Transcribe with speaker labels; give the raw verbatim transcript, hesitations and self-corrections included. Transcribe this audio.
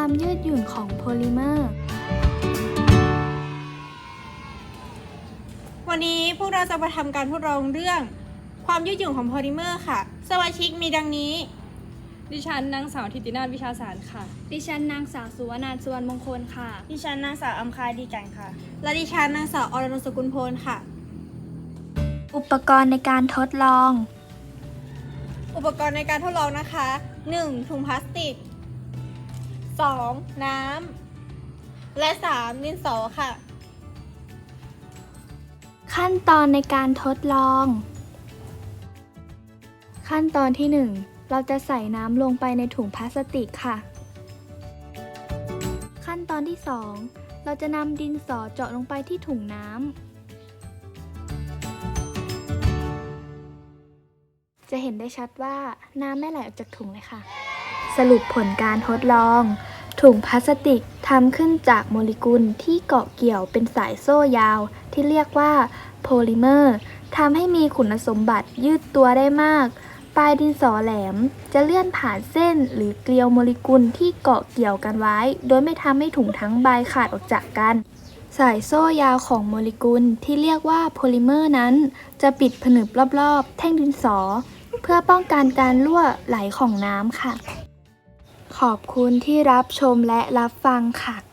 Speaker 1: ความยืดหยุ่นของโพลิเมอร์
Speaker 2: วันนี้พวกเราจะมาทำการทดลองเรื่องความยืดหยุ่นของโพลิเมอร์ค่ะสมาชิกมีดังนี้
Speaker 3: ดิฉันนางสาวธิตินาถวิชาสารค่ะ
Speaker 4: ดิฉันนางสาวสุวรรณสุวรรณมงคลค่ะ
Speaker 5: ดิฉันนางสาวอัมคายดีกันค่ะ
Speaker 2: และดิฉันนางสาวอรนุสกุลโพลค่ะ
Speaker 1: อุปกรณ์ในการทดลอง
Speaker 2: อุปกรณ์ในการทดลองนะคะ หนึ่ง ถุงพลาสติก สอง น้ำและ สาม ดินสอค่ะ
Speaker 1: ขั้นตอนในการทดลอง ขั้นตอนที่หนึ่งเราจะใส่น้ำลงไปในถุงพลาสติกค่ะขั้นตอนที่สองเราจะนำดินสอเจาะลงไปที่ถุงน้ำจะเห็นได้ชัดว่าน้ำไม่ไหลออกจากถุงเลยค่ะสรุปผลการทดลองถุงพลาสติกทำขึ้นจากโมเลกุลที่เกาะเกี่ยวเป็นสายโซ่ยาวที่เรียกว่าโพลิเมอร์ทำให้มีคุณสมบัติยืดตัวได้มากปลายดินสอแหลมจะเลื่อนผ่านเส้นหรือเกลียวโมเลกุลที่เกาะเกี่ยวกันไว้โดยไม่ทำให้ถุงทั้งใบขาดออกจากกันสายโซ่ยาวของโมเลกุลที่เรียกว่าโพลิเมอร์นั้นจะปิดผนึกรอบๆแท่งดินสอเพื่อป้องกันการรั่วไหลของน้ำค่ะขอบคุณที่รับชมและรับฟังค่ะ